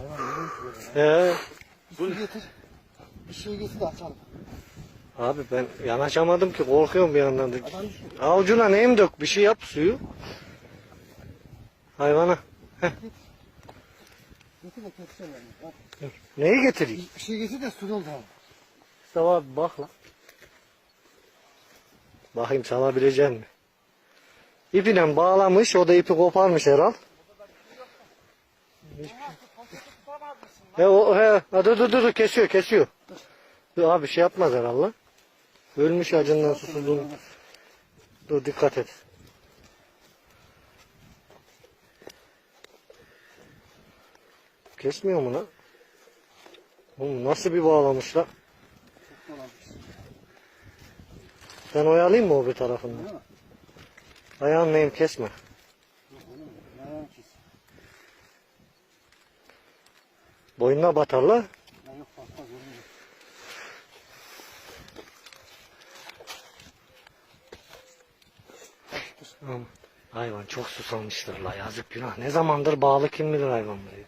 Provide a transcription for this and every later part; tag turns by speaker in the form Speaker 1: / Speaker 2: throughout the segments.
Speaker 1: Bir su getir. Bir şey getir de açalım.
Speaker 2: Abi ben yanaşamadım ki, korkuyorum bir yandan da.
Speaker 1: Adam düşün.
Speaker 2: Avucuna neyim dök, bir şey yap suyu. Hayvana.
Speaker 1: Getir de keseceğim yani. Bak.
Speaker 2: Neyi getireyim?
Speaker 1: Bir şey getir de su doldu abi.
Speaker 2: Mustafa abi bak lan. Bakayım salabilecek mi? İpine bağlamış, o da ipi koparmış herhal. Dur kesiyor. Dur abi şey yapmaz herhalde. Ölmüş acından susuzluğunu. Dur dikkat et. Kesmiyor mu lan? Oğlum nasıl bir bağlamış lan? Ben oyalayayım mı o bir tarafından? Ayağın neyim kesme. Boynuna batar la. Aman, hayvan çok susamıştır la, yazık günah. Ne zamandır bağlı kim bilir hayvanları.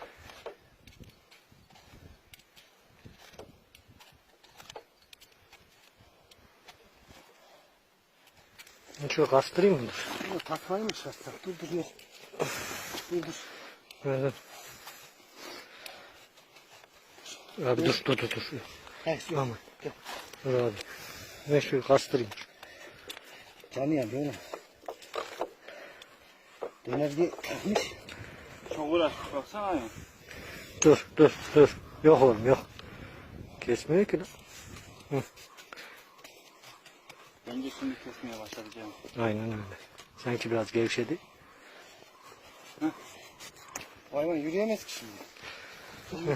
Speaker 2: Şöyle kastırayım mı?
Speaker 1: Dur takmayı mı şartlar? Dur yok. Dur.
Speaker 2: Evet. Abi dur.
Speaker 1: Hayır yok.
Speaker 2: Tamam. Dur abi. Ben şöyle kastırayım.
Speaker 1: Canıyan böyle. Döner diye takmış.
Speaker 3: Çok uğraşmış baksana ya.
Speaker 2: Dur. Yok oğlum yok. Kesmiyor ki lan.
Speaker 3: Bence şimdi kesmeye başladı canım.
Speaker 2: Aynen öyle. Sanki biraz gevşedi.
Speaker 1: Hayvan yürüyemez ki şimdi.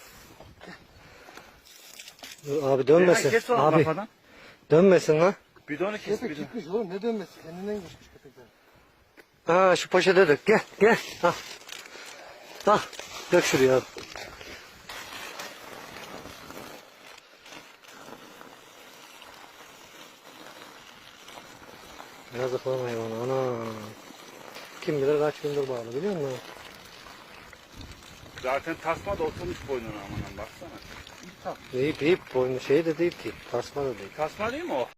Speaker 2: Dur abi dönmesin.
Speaker 3: Kes oğlum
Speaker 2: Abi
Speaker 3: kafadan.
Speaker 2: dönmesin lan.
Speaker 3: Bidonu kes
Speaker 1: Köpek
Speaker 3: bidonu.
Speaker 1: gitmiş oğlum ne dönmesi? Kendinden geçmiş köpekler.
Speaker 2: Ha şu poşete dök. Gel. Al. Dök şuraya abi. Yazık lan hayvan. Ana. Kim bilir kaç gündür bağlı biliyor musun?
Speaker 3: Zaten tasma da oturmuş boynuna aman baksana.
Speaker 2: İp boynu şey de değil ki. Tasma da değil.
Speaker 3: Tasma değil mi o?